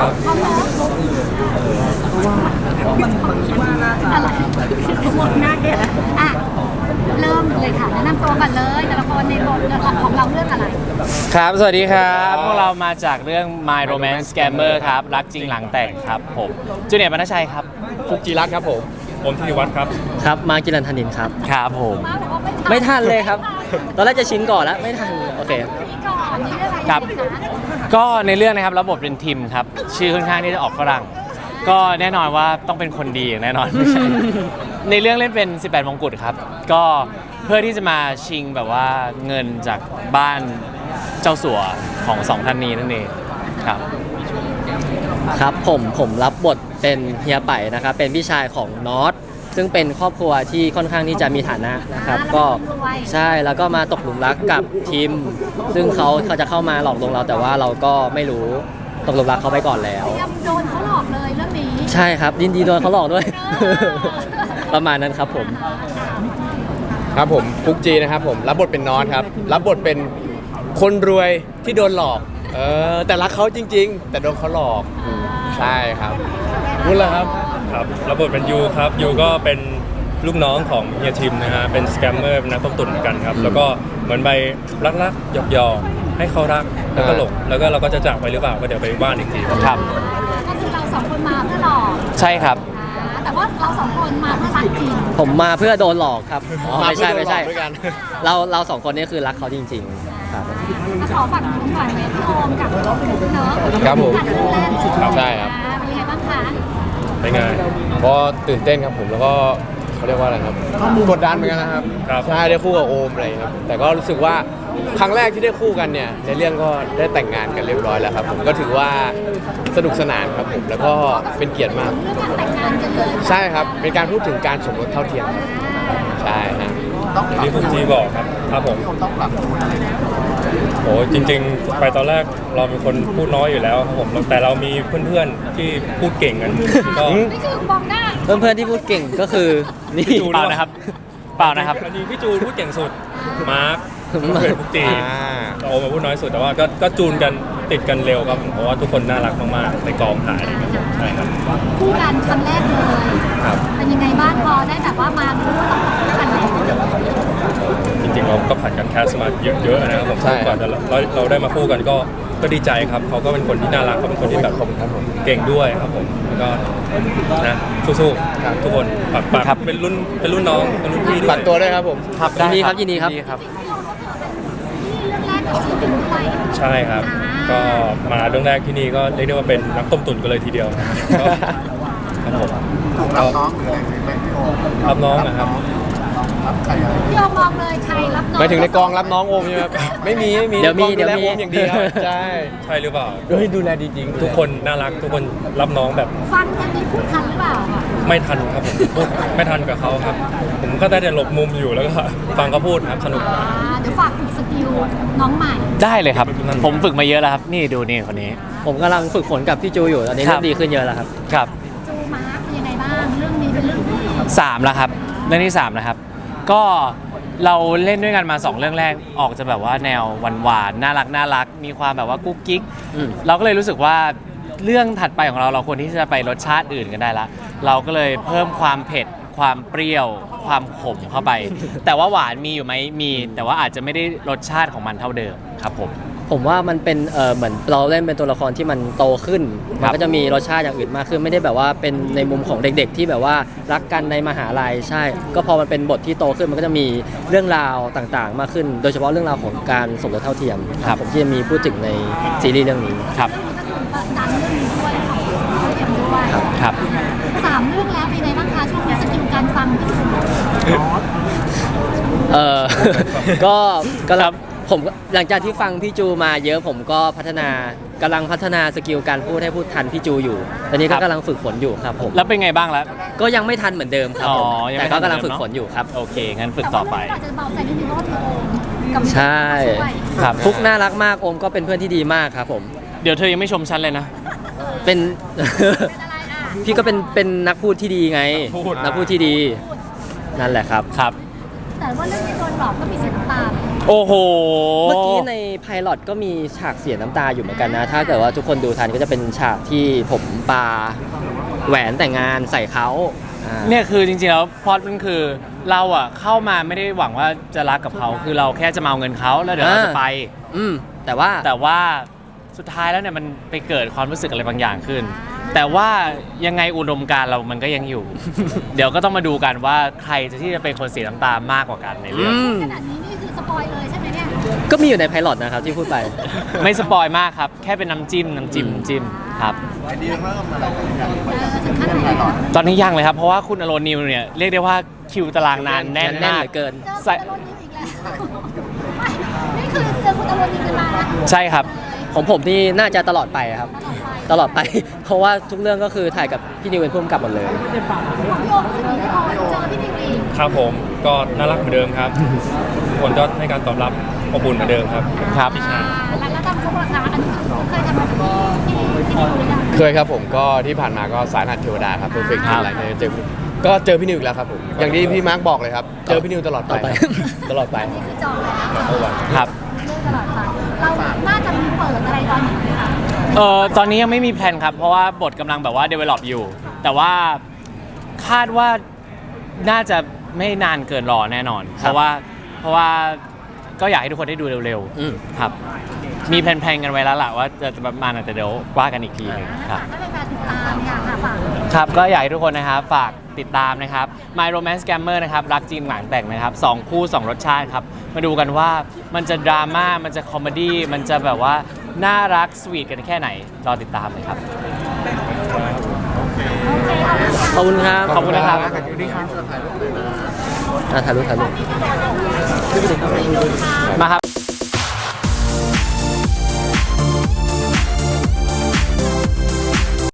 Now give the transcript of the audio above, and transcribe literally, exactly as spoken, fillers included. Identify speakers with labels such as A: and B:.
A: ครับ
B: อะไรมองหน้าแกอ่ะเริ่มเลยค่ะแนะนำตัวกันเลยแต่ละคนในบทของเราเรื่องอะไร
C: ครับสวัสดีครับพวกเรามาจากเรื่อง My Romance Scammer ครับรักจริงหลังแต่งครับผมจูเนียร์บรรณชัยครับ
A: ฟุกจีรัตน์ครับผมผมธีรวัฒน์ครับ
D: ครับมากิรันธนินครับ
C: ครับผม
D: ไม่ทันเลยครับตอนแรกจะชิงก่อนแล้วไม่ทันโอเค
C: ครับก็ในเรื่องนะครับรับบทเป็นทิมครับชื่อค่อนข้างที่จะออกฝรั่งก็แน่นอนว่าต้องเป็นคนดีอย่างแน่นอนไม่ใช่ในเรื่องเล่นเป็นสิบแปดมงกุฎครับก็เพื่อที่จะมาชิงแบบว่าเงินจากบ้านเจ้าสัวของสองท่านนี้นั่นเองครับ
D: ครับผมผมรับบทเป็นเฮียไป่นะครับเป็นพี่ชายของนอตซึ่งเป็นครอบครัวที่ค่อนข้างที่จะมีฐานะนะครับก็ใช่แล้วก็มาตกหลุมรักกับทีมซึ่งเขาเขาจะเข้ามาหลอกลวงเราแต่ว่าเราก็ไม่รู้ตกหลุมรักเขาไปก่อนแล้ว
B: โดนเขาหลอกเลยเรื่องนี้
D: ใช่ครับยินดีโดนเขาหลอกด้วยประมาณนั้นครับผม
A: ครับผมฟุกจีนะครับผมรับบทเป็นนอตครับรับบทเป็นคนรวยที่โดนหลอกเออแต่รักเขาจริงๆแต่โดนเขาหลอกใช่ครับพูดเลยครับ
E: ครับรับบทเป็นยูครับยูก็เป็นลูกน้องของเฮียทิมนะฮะเป็นสแกมเมอร์เป็นนักต้มตุ๋นเหมือนกันครับแล้วก็เหมือนไปรักๆหยอกๆให้เขารักแล้วก็หลงแล้วก็เราก็จะจากไปหรือเปล่าก็เดี๋ยวไปบ้านอีกที
C: ครับ
B: ก็คือเราสองคนมาเพื่อหลอก
C: ใช่ครับ
B: แต่ว่าเราสองคนมาเพื่อรักจริง
D: ผมมาเพื่อโดนหลอกครับไม่ใช่ไม่ใช่เราเราสองคนนี้คือรักเขาจริงๆครับ
B: ขอฝากคุณหน่อยไหมพี่โอมกับคุณเนอะ
A: ครับผม
B: ใ
A: ช่ครับ
B: เป็นไงบ้างคะ
E: เป็นไง
A: ก็ตื่นเต้นครับผมแล้วก็เขาเรียกว่าอะไรครับกดดันเหมือนกันนะครับใช่ได้คู่กับโอมอะไรครับแต่ก็รู้สึกว่าครั้งแรกที่ได้คู่กันเนี่ยในเรื่องก็ได้แต่งงานกันเรียบร้อยแล้วครับผมก็ถือว่าสนุกสนานครับผมแล้วก็เป็นเกียรติมากใช่ครับเป็นการพูดถึงการสมรสเท่าเทียมใช่ฮะ
E: อย่างที่ฟุกจีบอกครับครับผมโอ้จริงๆไปตอนแรกเราเป็นคนพูดน้อยอยู่แล้วครับผมแต่เรามีเพื่อนๆที่พูดเก่งกันก็
B: นี่คือมองหน้า
D: เพื่อนๆที่พูดเก่งก็คือนี่
C: เปล่านะครับเปล่านะครับ
E: อันนี้พี่จูนพูดเก่งสุดมาร์คเพื่อนฟุกจีโอมาพูดน้อยสุดแต่ว่าก็ก็จูนกันติดกันเร็วครับเพราะว่าทุกคนน่ารักมากๆในกองถ่ายอะไรกันใช่ครับ
B: คู่กันครั้งแรกเลย
E: ครับ
B: เป็นยังไงบ้างพอได้แบบว่ามารู้ว่าเราคู่กันแล้ว
E: จริงๆเราก็ผ่านกันแคสมาเยอะๆนะครับผมก่อนเราเราได้มาคู่กันก็ก็ดีใจครับเขาก็เป็นคนที่น่ารักเขาเป็นคนที่แบบเก่งด้วยครับผมแล้วก็นะสู้ๆทุกคนฝากฝากเป็นรุ่นเป็นรุ่นน้องเป็นรุ่นพี่ด้วย
A: ฝากตัวด้วยครับผม
D: ครับยินดีครับยินดีครับ
E: ใช่ครับก็มาเรื่องแรกที่นี่ก็เรียกได้ว่าเป็นนักต้มตุ๋นกันเลยทีเดียวครับผมรับน้องรับน้องนะครับ
B: พี่โอมมองเลยใครรับน้อง
A: หมายถึงในกองรับน้องโอมใช่ไหมไม่มีไม่มี
D: เดี๋ยวมีเดี๋ยวมี
A: โอมอย่างเดียวใช่
E: ใช่หรือเปล่า
A: เฮ้ยดูแลดีจริง
E: ทุกคนน่ารักทุกคนรับน้องแบบ
B: ฟังกันนี้พูดทันหรือเปล่า
E: ไม่ทันครับผมพูดไม่ทันกับเขาครับผมก็ได้แต่หลบมุมอยู่แล้วก็ฟังเขาพูดครับสนุก
B: เดี๋ยวฝากฝึกสกิลน้องใหม่
C: ได้เลยครับผมฝึกมาเยอะแล้วครับนี่ดูนี่คนนี้
D: ผมกำลังฝึกฝนกับพี่จูอยู่ตอนนี้เริ่มดีขึ้นเยอะแล้วครับ
C: ครับ
B: จูมาร์คเป็นยังไงบ้างเรื่องนี้เป็นเรื่องที่
C: สามแล้วครับเรื่องที่สามนะครับก็เราเล่นด้วยกันมาสองเรื่องแรกออกจะแบบว่าแนวหวานๆน่ารักน่ารักมีความแบบว่ากุ๊กกิ๊กเราก็เลยรู้สึกว่าเรื่องถัดไปของเราเราควรที่จะไปรสชาติอื่นกันได้ละเราก็เลยเพิ่มความเผ็ดความเปรี้ยวความขมเข้าไปแต่ว่าหวานมีอยู่ไหมมีแต่ว่าอาจจะไม่ได้รสชาติของมันเท่าเดิมครับผม
D: ผมว่ามันเป็นเออเหมือนเราเล่นเป็นตัวละครที่มันโตขึ้นมันก็จะมีรสชาติอย่างอื่นมากขึ้นไม่ได้แบบว่าเป็นในมุมของเด็กๆที่แบบว่ารักกันในมหาลัยใช่ก็พอมันเป็นบทที่โตขึ้นมันก็จะมีเรื่องราวต่างๆมากขึ้นโดยเฉพาะเรื่องราวของการสมรสเท่าเทียมครับผมที่จะมีพูดถึงในซีรีส์เรื่องนี้
C: ครับ
B: ดันเรื่องนี้ด้วยด้วย
C: ครับ
B: สามเรื่องแล้วเป็นไงบ้างคะช่วงนี้สกิลการฟัง
D: เออก็ก็รับผมหลังจากที่ฟังพี่จูมาเยอะผมก็พัฒนากำลังพัฒนาสกิลการพูดให้พูดทันพี่จูอยู่ตอนนี้ก็กำลังฝึกฝนอยู่ครับผม
C: แล้วเป็นไงบ้างแล้ว
D: ก็ยังไม่ทันเหมือนเดิมครับผมแต่ก็กำลังฝึกฝนอยู่ครับ
C: โอเคงั้นฝึกต่อไป
B: อาจจะเบาใจนิดนึงเพราะว่าเธอโอมกับ
D: ใช่ครับฟุกน่ารักมากโอมก็เป็นเพื่อนที่ดีมากครับผม
C: เดี๋ยวเธอยังไม่ชมฉันเลยนะ
D: เป็นพี่ก็เป็นเป็นนักพูดที่ดีไงนักพูดที่ดีนั่นแหละครับ
C: ครับ
B: แต่ว่าเรื่องนี้โดนหลอกก็มีเสียน้ำตา
C: โอ้โห
D: เมื่อกี้ในไพลอตก็มีฉากเสียน้ำตาอยู่เหมือนกันนะ ถ้าเกิดว่าทุกคนดูทันก็จะเป็นฉากที่ผมปาแหวนแต่งงานใส่เขาอ่า
C: เนี่ยคือจริงๆแล้วพล็อตมันคือเราอ่ะเข้ามาไม่ได้หวังว่าจะรักกับเขาคือเราแค่จะมาเอาเงินเขาแล้วเดี๋ยวเราจะไป
D: อืมแต่ว่า
C: แต่ว่าสุดท้ายแล้วเนี่ยมันไปเกิดความรู้สึกอะไรบางอย่างขึ้น แต่ว่ายังไงอุดมการณ์เรามันก็ยังอยู่ เดี๋ยวก็ต้องมาดูกันว่าใครจะที่จะเป็นคนเสียน้ำตามากกว่ากันในเรื่อง
D: อืม
B: ขนาดนี้นี่คือสปอยเลยใช่ไหมเนี่ย
D: ก็มีอยู่ในไพลอตนะครับที่พูดไป
C: ไม่สปอยมากครับ แค่เป็นน้ำจิ้มน้ำจิ้มน้ำจิ้มครับ
B: เออถึงขั้นไหนแล้ว
C: ตอนนี้ยังเลยครับ เพราะว่าคุณอโรนิวเนี่ยเรียกได้ว่าคิวตารางนานแน่น
D: แน่น
C: มาก
D: เหลือเกิน
B: เจอคุณอโรนิวอีกแล้วไม่นี่คือเจอคุณอโรนิวกันมา
C: ใช่ครับ
D: ของผมนี่น่าจะตลอดไปครับ
B: ตลอดไป
D: ตลอดไป เพราะว่าทุกเรื่องก็คือถ่ายกับพี่นิวเป็นผู้กำกับหมดเลย
B: ของพี่โอมคือหนีไม่พอเจอพี่นิวอีก
E: ครับผมก็น่ารักเหมือนเดิมครับทุกคนก็ให้การตอบรับอบอุ่นเหมือนเดิมครับ
C: ครับ
E: พี่ชาย
B: แล้วแล้วทำซุปราคาอันนี้คือเคยทำมาที่ที่ที่นิวหรือยัง
A: เคยครับผมก็ที่ผ่านมาก็สายหัดเทวดาครับ perfect
C: ครับ
A: อะไรเนี่ยเจอก็เจอพี่นิวอีกแล้วครับผมอย่างที่พี่มาร์คบอกเลยครับเจอพี่นิวตลอดไป
D: ต่อไป
A: ตลอดไป
B: อันนี้คือจองแล้ว
E: ครับเมื่อวาน
C: ครับ
B: เรื่องตลอดไปเราน่าจะมีเปิดอะไรตอนไหนไหมคะ
C: เออตอนนี้ยังไม่มีแพลนครับ เพราะว่าบทกำลังแบบว่า develop อยู่ แต่ว่าคาดว่าน่าจะไม่นานเกินรอแน่นอน เพราะว่าเพราะว่าก็อยากให้ทุกคนได้ดูเร็ว
D: อืม
C: ๆครับ มีแพลนๆกันไว้แล้วล่ะว่าจะประมาณไหนแต่เดี๋ยวว่ากันอีกทีหนึงครับ
B: ถ้าเป็นการติดตามเนี่ยค่ะฝาก
C: ครับก็อยากให้ทุกคนนะครับฝากติดตามนะครับ My Romance Scammer นะครับรักจริงหลังแต่งนะครับสองคู่สองรสชาติครับ มาดูกันว่ามันจะดราม่ามันจะคอมเมดี้มันจะแบบว่าน่ารักสวีทกันแค่ไหน รอติดตามเลยครับ
B: โอเคขอบคุณค่ะ
D: ขอบคุณนะครับ
C: ขอบคุณนะครับ
D: อ่ะถ่ายรูปถ่ายรูป
C: มาครับ